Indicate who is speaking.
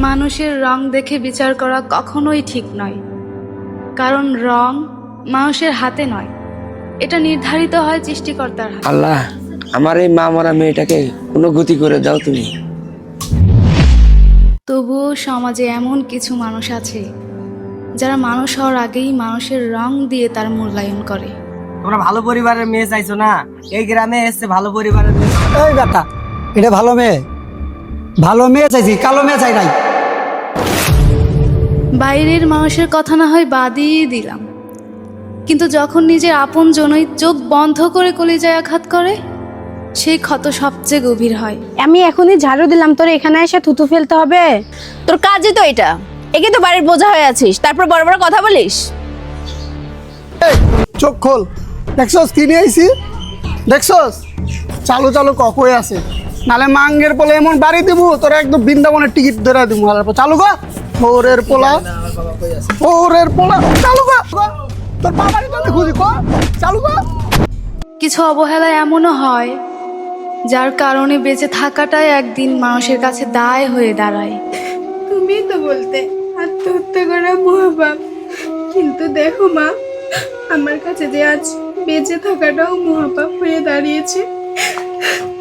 Speaker 1: মানুষের রং দেখে বিচার করা কখনোই ঠিক নয়, কারণ রং মানুষের হাতে নয়, এটা নির্ধারিত হয় সৃষ্টিকর্তার হাতে।
Speaker 2: আল্লাহ, আমার এই মা মরা মেয়েটাকে কোনো গতি করে দাও তুমি।
Speaker 1: তবুও সমাজে এমন কিছু মানুষ আছে যারা মানুষ হওয়ার আগেই মানুষের রং দিয়ে তার মূল্যায়ন করে।
Speaker 3: তোমরা ভালো পরিবারের মেয়ে চাইছো না, এই গ্রামে এসে ভালো পরিবারের মেয়ে।
Speaker 4: এই বেটা, এটা ভালো মেয়ে, ভালো মেয়ে চাইছি, কালো মেয়ে চাই নাই।
Speaker 1: বাইরের মানুষের কথা না হয় বাদই দিলাম, কিন্তু যখন নিজের আপন জনই চোখ বন্ধ করে কলিজায় আঘাত করে, সেই ক্ষত সবচেয়ে গভীর হয়।
Speaker 5: আমি এখনই ঝাড়ু দিলাম, তোর এখানে এসে থুতু ফেলতে হবে? তোর কাজই তো এটা, একে তো বাড়ির বোঝা হয়ে আছিস, তারপর বড় বড় কথা বলিস।
Speaker 6: চোখ খোল, দেখছস কি নিয়ে আইছি? দেখছস চালু চালু ককই আছে, নালে মাঙ্গের পোলা এমন বাড়ি দিব তোরা একদম বৃন্দাবনের টিকিট ধরে দিব। চালু গা ওরের পোলা, ওরের পোলা, চালু গা তোর বাবারই তো খুঁজি ক, চালু গা।
Speaker 1: কিছু অবহেলা এমনও হয় যার কারণে বেঁচে থাকাটাই একদিন মানুষের কাছে দায় হয়ে দাঁড়ায়।
Speaker 7: তুমি তো বলতে আত্মহত্যা করা মহাপাপ, কিন্তু দেখো মা, আমার কাছে যে আজ বেঁচে থাকাটাও মহাপাপ হয়ে দাঁড়িয়েছে।